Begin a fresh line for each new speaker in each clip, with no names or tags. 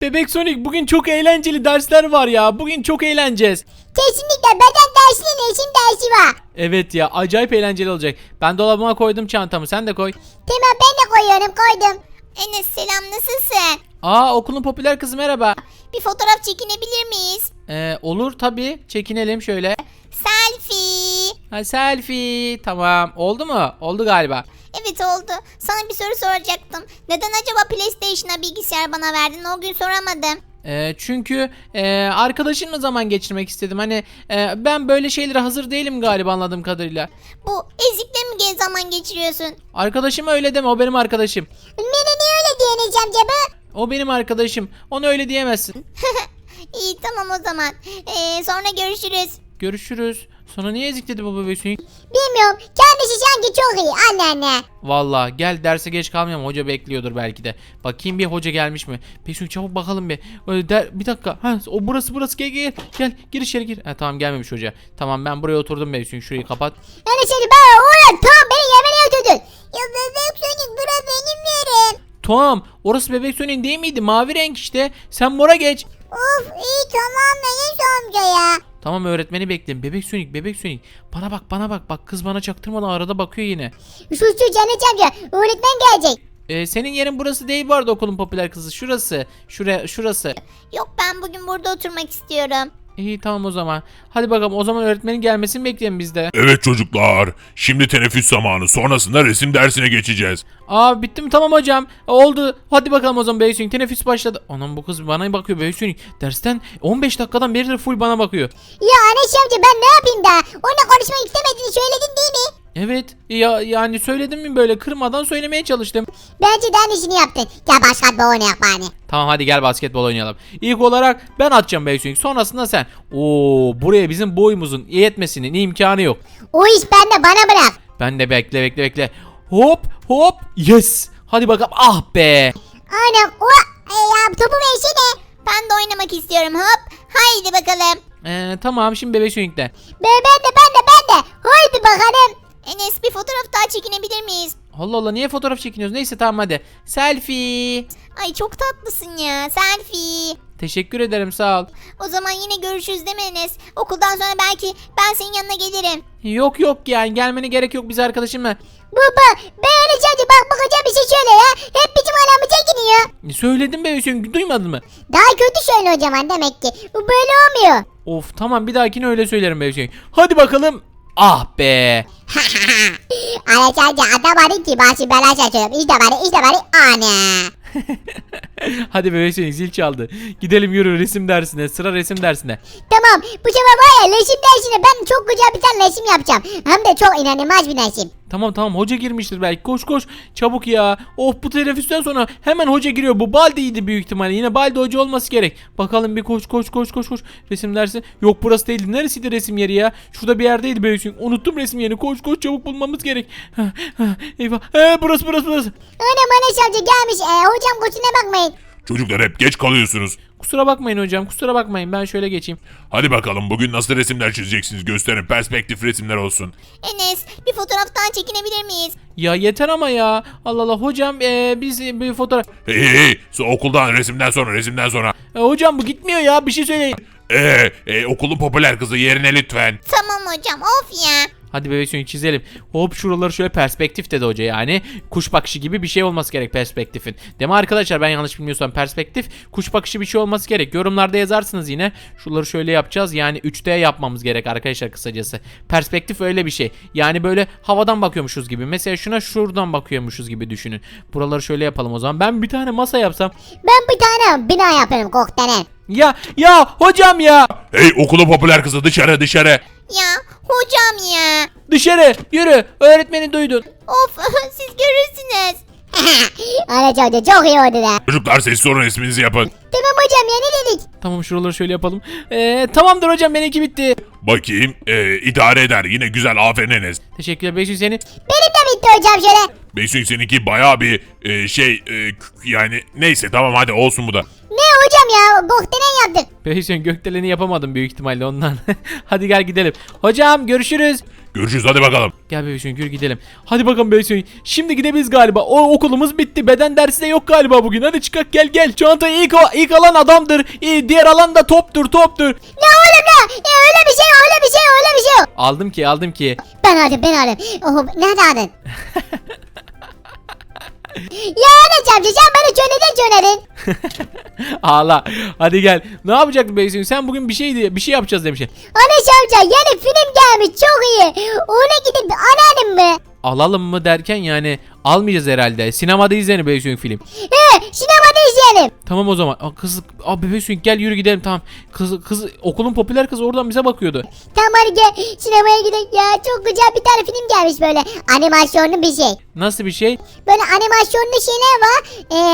Bebek Sonic bugün çok eğlenceli dersler var ya. Bugün çok eğleneceğiz.
Kesinlikle beden dersinin resim dersi var.
Evet ya, acayip eğlenceli olacak. Ben dolabıma koydum çantamı, sen de koy.
Tamam ben de koyuyorum koydum. Enes selam nasılsın?
Aa, okulun popüler kızı merhaba.
Bir fotoğraf çekinebilir miyiz?
Olur tabii, çekinelim şöyle.
Selfie.
Ha, selfie, tamam, oldu mu? Oldu galiba.
Evet oldu. Sana bir soru soracaktım. Neden acaba PlayStation'a bilgisayar bana verdin? O gün soramadım.
Çünkü arkadaşımla zaman geçirmek istedim. Hani ben böyle şeylere hazır değilim galiba, anladığım kadarıyla.
Bu ezikle mi zaman geçiriyorsun?
Arkadaşım öyle deme, o benim arkadaşım.
Bana niye öyle diyeceğim acaba?
O benim arkadaşım. Ona öyle diyemezsin.
İyi tamam o zaman. Sonra görüşürüz.
Görüşürüz. Sonra niye ezik dedi bu bebek Sonic?
Bilmiyorum. Kendisi sanki çok iyi anneanne.
Vallahi gel, derse geç kalmayalım. Hoca bekliyordur belki de. Bakayım bir, hoca gelmiş mi? Bebek çabuk bakalım bir. Bir dakika. Ha, o burası. Gel. Gir içeri gir. Tamam, gelmemiş hoca. Tamam, ben buraya oturdum bebek. Şurayı kapat.
Yani seni ben oğlum tamam beni yemeğe götürdün. Ya bebek Sonic bura benim yerim.
Tamam. Orası bebek Sonic'in değil miydi? Mavi renk işte. Sen mora geç.
Of iyi tamam Enes amca ya.
Tamam, öğretmeni bekleyin. Bebek Sonic. Bana bak. Bak, kız bana çaktırmadan arada bakıyor yine.
Sus Canet amca öğretmen gelecek.
Senin yerin burası değil bu arada, okulun popüler kızı. Şurası. Şurası.
Yok ben bugün burada oturmak istiyorum.
İyi tamam o zaman. Hadi bakalım, o zaman öğretmenin gelmesini bekleyelim biz de.
Evet çocuklar, şimdi teneffüs zamanı, sonrasında resim dersine geçeceğiz.
Aa, bitti mi? Tamam hocam. Oldu. Hadi bakalım o zaman Bebek Sonic. Teneffüs başladı. Anam, bu kız bana bakıyor Bebek Sonic. Dersten 15 dakikadan beridir full bana bakıyor.
Ya Enes amca ben ne yapayım da? Onunla konuşmak istemediğini söyledin değil mi?
Evet ya, yani söyledim mi, böyle kırmadan söylemeye çalıştım.
Bence de aynısını yaptın. Gel başka bir oynayak bari.
Tamam, hadi gel basketbol oynayalım. İlk olarak ben atacağım Bebek Sonic. Sonrasında sen. Oo, buraya bizim boyumuzun yetmesinin imkanı yok.
O iş bende bana bırak.
Ben de bekle. Hop. Yes. Hadi bakalım. Ah be.
Anam o ya topu versene. Ben de oynamak istiyorum hop. Haydi bakalım.
Tamam, şimdi Bebek Sonic'te.
Ben de. Haydi bakalım. Enes bir fotoğraf daha çekinebilir miyiz?
Allah Allah, niye fotoğraf çekiniyoruz? Neyse tamam, hadi. Selfie.
Ay çok tatlısın ya. Selfie.
Teşekkür ederim, sağ ol.
O zaman yine görüşürüz değil mi Enes? Okuldan sonra belki ben senin yanına gelirim.
Yok yani, gelmene gerek yok, biz arkadaşımla.
Baba ben Enes amca bak bakacağım bir şey söyle ya. Hep bizim aramı çekiniyor.
Söyledim Bebek Sonic, duymadın mı?
Daha kötü söyle o zaman demek ki. Bu böyle olmuyor.
Of, tamam, bir dahakine öyle söylerim Bebek Sonic. Hadi bakalım. Ah be.
Enes amca adam arı ki başı bela şaşırıyorum. İşte bari ana.
Hadi Bebek Sonic, zil çaldı. Gidelim, yürü resim dersine. Sıra resim dersine.
Tamam bu sefer var ya resim dersine ben çok güzel bir tane resim yapacağım. Hem de çok inanılmaz bir resim.
Tamam, hoca girmiştir belki. Koş çabuk ya. Bu teneffüsten sonra hemen hoca giriyor. Bu Baldi'ydi büyük ihtimalle. Yine Baldi hoca olması gerek. Bakalım bir koş. Resim dersi. Yok, burası değildi. Neresiydi resim yeri ya? Şurada bir yerdeydi böyle. Unuttum resim yerini. Koş çabuk bulmamız gerek. Eyvah. Burası.
Anam Enes amca gelmiş. Hocam kusura bakmayın.
Çocuklar hep geç kalıyorsunuz.
Kusura bakmayın hocam. Ben şöyle geçeyim.
Hadi bakalım, bugün nasıl resimler çizeceksiniz, gösterin, perspektif resimler olsun.
Enes bir fotoğraftan çekinebilir miyiz?
Ya yeter ama ya. Allah Allah hocam, biz bir fotoğraf.
Hey, okuldan resimden sonra.
Hocam bu gitmiyor ya, bir şey söyleyin.
Okulun popüler kızı, yerine lütfen.
Tamam hocam of ya.
Hadi Bebek Sonic çizelim. Hop, şuraları şöyle perspektif dedi hoca yani. Kuş bakışı gibi bir şey olması gerek perspektifin. Değil mi arkadaşlar, ben yanlış bilmiyorsam perspektif kuş bakışı bir şey olması gerek. Yorumlarda yazarsınız yine. Şuraları şöyle yapacağız. Yani 3D yapmamız gerek arkadaşlar kısacası. Perspektif öyle bir şey. Yani böyle havadan bakıyormuşuz gibi. Mesela şuradan bakıyormuşuz gibi düşünün. Buraları şöyle yapalım o zaman. Ben bir tane masa yapsam.
Ben bir tane bina yaparım koktelen.
Ya hocam ya.
Hey, okulun popüler kızı, dışarı.
Ya hocam ya.
Dışarı yürü. Öğretmeni duydun.
Of siz görürsünüz. Enes amca çok iyi oldu da.
Çocuklar sessiz olun, resminizi yapın.
Tamam hocam ya ne dedik?
Tamam, şuraları şöyle yapalım. Tamamdır hocam, benimki bitti.
Bakayım, idare eder, yine güzel, aferin Enes.
Teşekkürler Beysun seni.
Benim de bitti hocam şöyle.
Beysun seninki bayağı bir yani neyse, tamam hadi olsun bu da.
Ne hocam ya. Gökdelen yaptık.
Bebek Sonic gökdeleni yapamadım büyük ihtimalle ondan. Hadi gel gidelim. Hocam görüşürüz.
Görüşürüz hadi bakalım.
Gel Bebek Sonic yürü gidelim. Hadi bakalım Bebek Sonic. Şimdi gidebiliriz galiba. O okulumuz bitti. Beden dersi de yok galiba bugün. Hadi çıkak gel. Çantayı ilk alan adamdır. Diğer alan da toptur.
Ne oğlum ne? Öyle bir şey yok.
Aldım ki.
Ben aldım. Oh, nerede aldın? Ya Enes amca sen bana çönerin.
Ağla. Hadi gel. Ne yapacaktın Bebek Sonic? Sen bugün bir şey yapacağız demiştin.
Enes amca yeni film gelmiş çok iyi. Ona gidip alalım mı?
Alalım mı derken yani almayacağız herhalde. Sinemada izleyelim Bebek Sonic film.
Sinemada izleyelim.
Tamam o zaman. Bebek Sonic gel yürü gidelim tamam. Kız okulun popüler kızı oradan bize bakıyordu.
Tamam hadi gel sinemaya gidelim ya. Çok güzel bir tane film gelmiş böyle. Animasyonlu bir şey.
Nasıl bir şey?
Böyle animasyonlu şeyler var.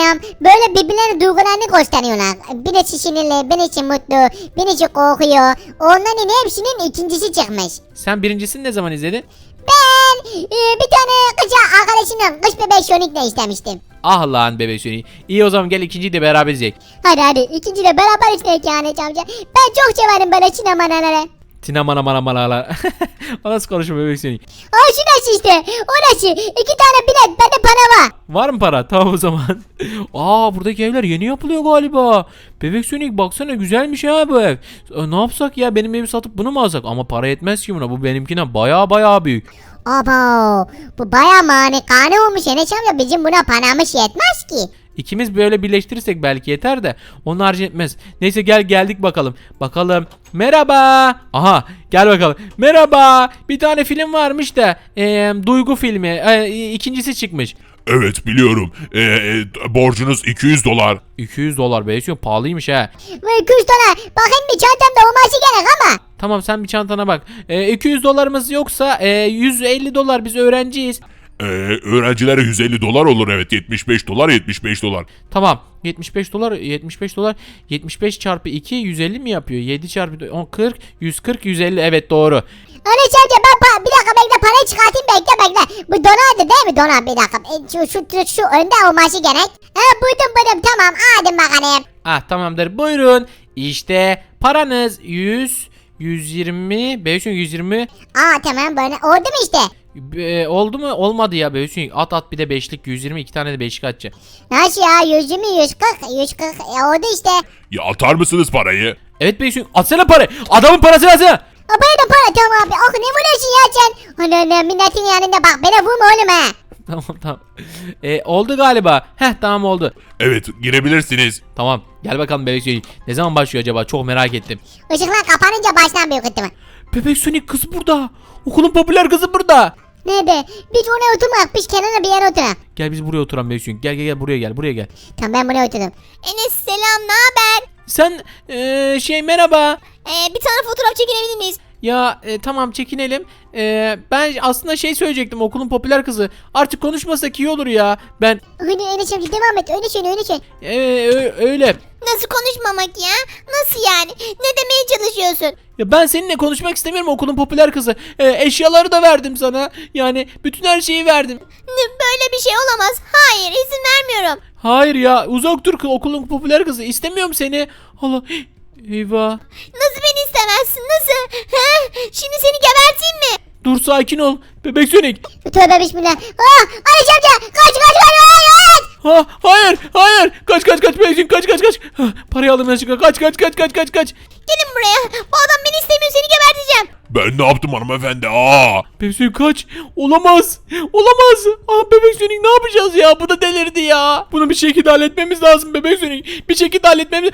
Böyle birbirlerine duygularını gösteriyorlar. Birisi sinirli, birisi mutlu, birisi korkuyor. Onların hepsinin ikincisi çıkmış.
Sen birincisini ne zaman izledin?
Ben bir tane kız arkadaşımla kış bebek Sonic'le istemiştim.
Ah lan Bebek Sonic. İyi o zaman gel ikinciyi de beraber izleyelim.
Hadi ikinciyle beraber izleyelim yani amca. Ben çok severim böyle sinemaları.
Sinamana. O nasıl konuşma Bebek Sonic?
Şu nasıl işte? O nasıl? 2 tane bilet bende para var.
Var mı para? Tamam o zaman. Buradaki evler yeni yapılıyor galiba. Bebek Sonic baksana güzelmiş ha bu ev. Ne yapsak ya benim evi satıp bunu mu alsak? Ama para yetmez ki buna. Bu benimkine baya büyük.
Abo bu baya manikane olmuş Enes amca bizim buna paramız yetmez ki.
İkimiz böyle birleştirirsek belki yeter de onun harcı etmez. Neyse geldik bakalım. Merhaba. Aha gel bakalım. Merhaba. Bir tane film varmış da duygu filmi. İkincisi çıkmış.
Evet biliyorum. Borcunuz 200 dolar.
200 dolar be. Pahalıymış ha.
Ve 200 dolar bakayım bir çantamda olması gerek ama.
Tamam sen bir çantana bak. 200 dolarımız yoksa 150 dolar biz öğrenciyiz.
Öğrencilere 150 dolar olur evet. 75 dolar.
Tamam 75 dolar 75 çarpı 2 150 mi yapıyor? 7 çarpı 10 40 140 150 evet doğru.
Enes amca ben bir dakika bekle parayı çıkartayım bekle. Bu dolardı değil mi dolar bir dakika. Şu önde olması gerek. Buydum tamam aldım bakalım.
Tamamdır buyurun. İşte paranız 120 500 120
Tamam böyle oldu mu işte?
oldu mu? Olmadı ya Beysun. At bir de beşlik 120 2 tane de beşlik atacak.
Nasıl ya 120 140 oldu işte.
Ya atar mısınız parayı?
Evet Beysun atsana parayı. Adamın parasını atsana.
Bana da para tamam abi. Ne vuruyorsun ya sen? Ana milletin yanında bak bana vurma oğlum ha.
Tamam. Oldu galiba. Tamam oldu.
Evet girebilirsiniz.
Tamam gel bakalım Bebek Sonic. Ne zaman başlıyor acaba? Çok merak ettim.
Işıklar kapanınca baştan büyük ihtimal.
Bebek Sonic kız burada. Okulun popüler kızı burada.
Nerede? Biz oraya oturmak. Biz kenara bir yere oturalım.
Gel biz buraya oturalım Bebek Sonic. Gel buraya gel.
Tamam ben buraya oturdum. Enes selam ne haber?
Sen merhaba.
Bir tane fotoğraf çekinebilir miyiz?
Ya tamam çekinelim. Ben aslında söyleyecektim okulun popüler kızı. Artık konuşmasak iyi olur ya. Ben
Hadi Enes amca devam et. Öyle söyle.
öyle.
Nasıl konuşmamak ya? Nasıl yani? Ne demeye çalışıyorsun?
Ya ben seninle konuşmak istemiyorum okulun popüler kızı. Eşyaları da verdim sana. Yani bütün her şeyi verdim.
Böyle bir şey olamaz. Hayır izin vermiyorum.
Hayır ya uzak dur okulun popüler kızı. İstemiyorum seni. Allah eyvah.
Nasıl beni istemezsin? Nasıl? Şimdi seni geberteyim mi?
Dur sakin ol. Bebek Sonic.
Tövbe bismillah. Enes amca kaç.
Hayır. Kaç Bebek Sonic kaç. Parayı aldım yanlışlıkla. Kaç.
Gelin buraya. Bu adam beni istemiyor seni geberteceğim.
Ben ne yaptım hanımefendi?
Bebek Sonic kaç. Olamaz. Bebek Sonic ne yapacağız ya? Bu da delirdi ya. Bunu bir şekilde halletmemiz lazım Bebek Sonic. Bir şekilde halletmemiz.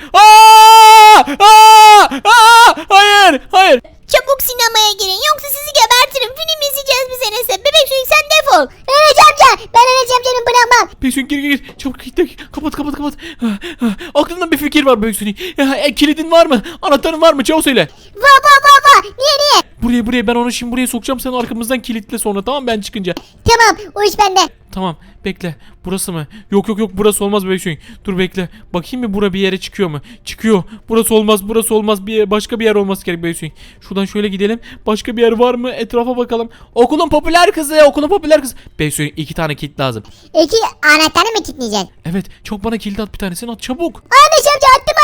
Hayır.
Çabuk sinemaya girin yoksa sizi gebertirim. Film izleyeceğiz biz Enes'e. Bebek Sonic sen defol. Enes amca. Ben Enes amcanı bırakmam.
Bebek Sonic gir. Çabuk kapat. Aklımda bir fikir var Bebek Sonic. Kilidin var mı? Anahtarın var mı? Çabuk söyle.
Va. Niye?
Buraya ben onu şimdi buraya sokacağım. Sen arkamızdan kilitle sonra tamam ben çıkınca.
Tamam o iş bende.
Tamam bekle. Burası mı? Yok burası olmaz Bebek Sonic. Dur bekle. Bakayım mı bura bir yere çıkıyor mu? Çıkıyor. Burası olmaz. Başka bir yer olması gerek Bebek Sonic. Şuradan şöyle gidelim. Başka bir yer var mı? Etrafa bakalım. Okulun popüler kızı. Bebek Sonic 2 tane kilit lazım.
2 anahtarı mı kilitleyeceksin?
Evet çok bana kilit at bir tanesini at çabuk.
Enes amca attım.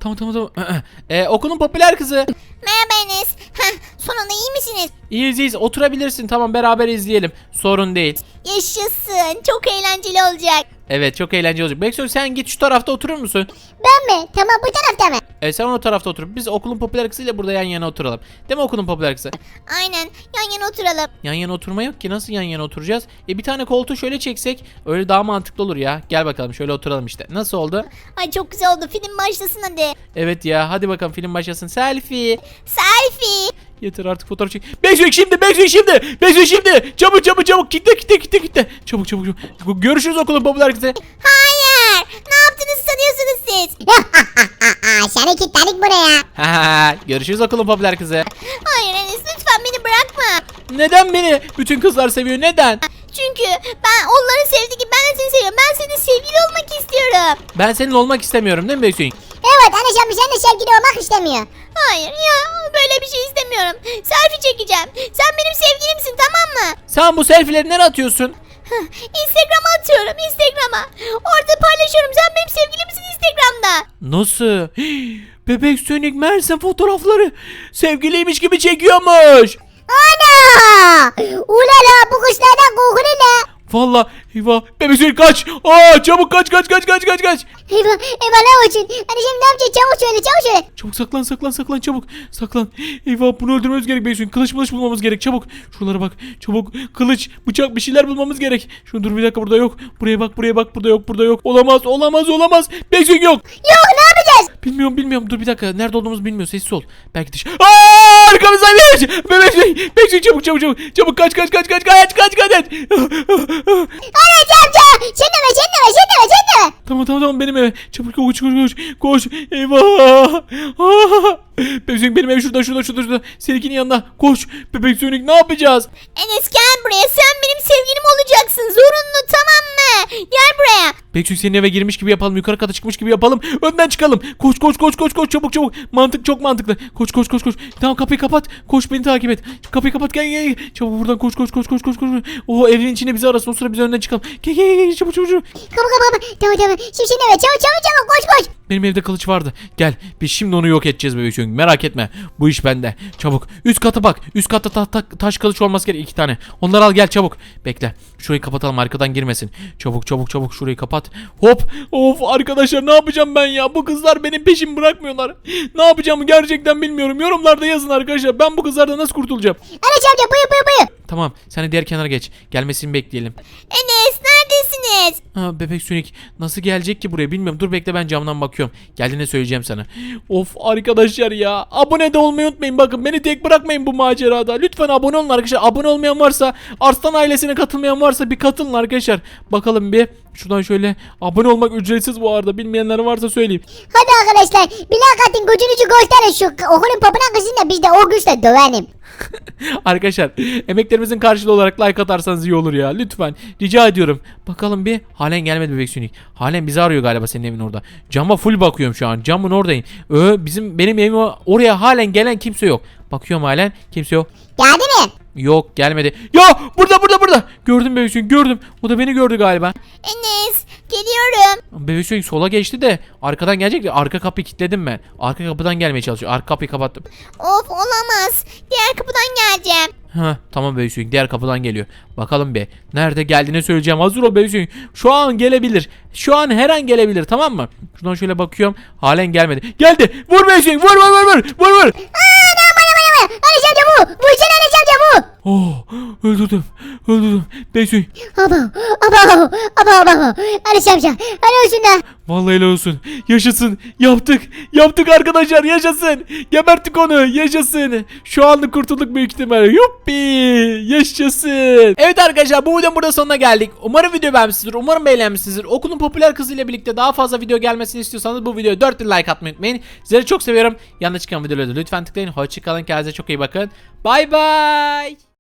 Tamam. Okulun popüler kızı.
Merhaba Enes. Sonunda iyi misiniz?
İyiyiz. Oturabilirsin. Tamam, beraber izleyelim. Sorun değil.
Yaşasın. Çok eğlenceli olacak.
Evet, çok eğlenceli olacak. Beksoy, sen git şu tarafta oturur musun?
Ben mi? Tamam bu tarafta mı?
Sen o tarafta otur. Biz okulun popüler kızıyla burada yan yana oturalım. Değil mi okulun popüler kızı?
Aynen. Yan yana oturalım.
Yan yana oturma yok ki. Nasıl yan yana oturacağız? Bir tane koltuğu şöyle çeksek öyle daha mantıklı olur ya. Gel bakalım şöyle oturalım işte. Nasıl oldu?
Ay çok güzel oldu. Film başlasın hadi.
Evet ya, hadi bakalım film başlasın. Selfie.
Selfie.
Yeter artık, fotoğraf çek. Beksoy şimdi. Çabuk. Kitle. Çabuk. Görüşürüz okulun popüler kızı.
Hayır. Ne yaptığınızı sanıyorsunuz siz?
Seni kilitledik buraya.
Görüşürüz okulun popüler kızı.
Hayır Enes lütfen beni bırakma.
Neden beni bütün kızlar seviyor? Neden?
Çünkü ben onları sevdiği gibi ben de seni seviyorum. Ben senin sevgili olmak istiyorum.
Ben seninle olmak istemiyorum değil mi Beksoy?
Evet Enes amca sen de sevgili olmak istemiyor.
Hayır ya böyle bir şey istemiyorum. Selfie çekeceğim. Sen benim sevgilimsin tamam mı?
Sen bu selfie'leri nereye atıyorsun?
Instagram'a atıyorum Instagram'a. Orada paylaşıyorum. Sen benim sevgilimsin Instagram'da.
Nasıl? Bebek Sonic Mersem fotoğrafları sevgiliymiş gibi çekiyormuş.
Ana! Ulala bu kuşlardan korkuluyla.
Vallahi eyvah. Bebek Sonic kaç. Çabuk kaç.
Eyvah ne olsun? Hadi şimdi ne yapacağız? Çabuk söyle.
Çabuk saklan çabuk. Saklan. Eyvah, bunu öldürmemiz gerek Beysun. Kılıç bulmamız gerek çabuk. Şuralara bak. Çabuk. Kılıç, bıçak, bir şeyler bulmamız gerek. Şunu dur bir dakika, burada yok. Buraya bak. Burada yok. Olamaz. Beysun yok.
Yok ne yapacağız?
Bilmiyorum. Dur bir dakika. Nerede olduğumuzu bilmiyor. Sessiz ol. Belki dış. Arkamızdan geç. Bebek çabuk. Çabuk kaç.
Enes amca! Sen deme.
Tamam benim eve. Çabuk koş. Eyvah. Bebek benim ev şurada. Seninkinin yanına. Koş. Bebek Sonic ne yapacağız?
Enes gel buraya. Sen benim sevgilim olacaksın. Zorunlu tamam mı? Gel buraya.
Bekçük senin eve girmiş gibi yapalım. Yukarı kata çıkmış gibi yapalım. Önden çıkalım. Koş. Çabuk. Çok mantıklı. Koş. Tamam, kapıyı kapat. Koş, beni takip et. Kapıyı kapat. Gel. Çabuk buradan koş. O evin içinde bizi arasın. O sıra biz önden çıkalım. Gel. Çabuk.
Kapı. Tamam. Şimdi evet çabuk koş.
Benim evde kılıç vardı. Gel. Biz şimdi onu yok edeceğiz bebek Sonic. Merak etme. Bu iş bende. Çabuk. Üst kata bak. Üst katta taş kılıç olması gerek 2 tane. Onları al gel çabuk. Bekle. Şurayı kapatalım, arkadan girmesin. Çabuk şurayı kapat. Hop. Of arkadaşlar, ne yapacağım ben ya? Bu kızlar benim peşimi bırakmıyorlar. Ne yapacağımı gerçekten bilmiyorum. Yorumlarda yazın arkadaşlar. Ben bu kızlardan nasıl kurtulacağım?
Enes amca buyur.
Tamam. Sen de diğer kenara geç. Gelmesini bekleyelim.
Enes neredesiniz?
Bebek Sonic nasıl gelecek ki buraya bilmiyorum. Dur bekle, ben camdan bakıyorum. Geldiğinde söyleyeceğim sana. Of arkadaşlar ya. Abone de olmayı unutmayın. Bakın beni tek bırakmayın bu macerada. Lütfen abone olun arkadaşlar. Abone olmayan varsa, Arslan ailesine katılmayan varsa bir katılın arkadaşlar. Bakalım bir. Şuradan şöyle, abone olmak ücretsiz bu arada. Bilmeyenler varsa söyleyeyim.
Hadi arkadaşlar bilakatin gücünüzü gösterin şu okulun popüler kızıyla biz de o güçle dövelim.
Arkadaşlar emeklerimizin karşılığı olarak like atarsanız iyi olur ya. Lütfen. Rica ediyorum. Bakalım bir. Halen gelmedi bebek Sonic. Halen bizi arıyor galiba senin evin orada. Cama full bakıyorum şu an. Camın oradayım. Benim evime oraya halen gelen kimse yok. Bakıyorum halen. Kimse yok.
Geldi mi?
Yok, gelmedi. Ya burada. Gördüm bebek Sonic, gördüm. O da beni gördü galiba.
Enes geliyorum.
Bebek Sonic sola geçti de arkadan gelecek de arka kapıyı kilitledim ben. Arka kapıdan gelmeye çalışıyor. Arka kapıyı kapattım.
Of olamaz. Diğer kapıdan geleceğim.
Tamam bebek Sonic, diğer kapıdan geliyor. Bakalım be. Nerede geldiğini söyleyeceğim. Hazır ol bebek Sonic. Şu an gelebilir. Şu an her an gelebilir, tamam mı? Şuradan şöyle bakıyorum. Halen gelmedi. Geldi. Vur bebek Sonic. Vur.
Enes amca bu. Vursana Enes amca bu.
Öldürdüm. Bebek Sonic.
Aba. Enes amca. Hadi olsun da.
Vallahi helal olsun. Yaşasın. Yaptık arkadaşlar. Yaşasın. Geberttik onu. Yaşasın. Şu anlık kurtulduk büyük ihtimalle. Yuppi. Yaşasın. Evet arkadaşlar, bu videonun burada sonuna geldik. Umarım video beğenmişsinizdir. Umarım beğenmişsinizdir. Okulun popüler kızıyla birlikte daha fazla video gelmesini istiyorsanız bu videoya 4 like atmayı unutmayın. Sizleri çok seviyorum. Yanına çıkan videoları da lütfen tıklayın. Hoşçakalın. Kendinize çok iyi bakın. Bay bay.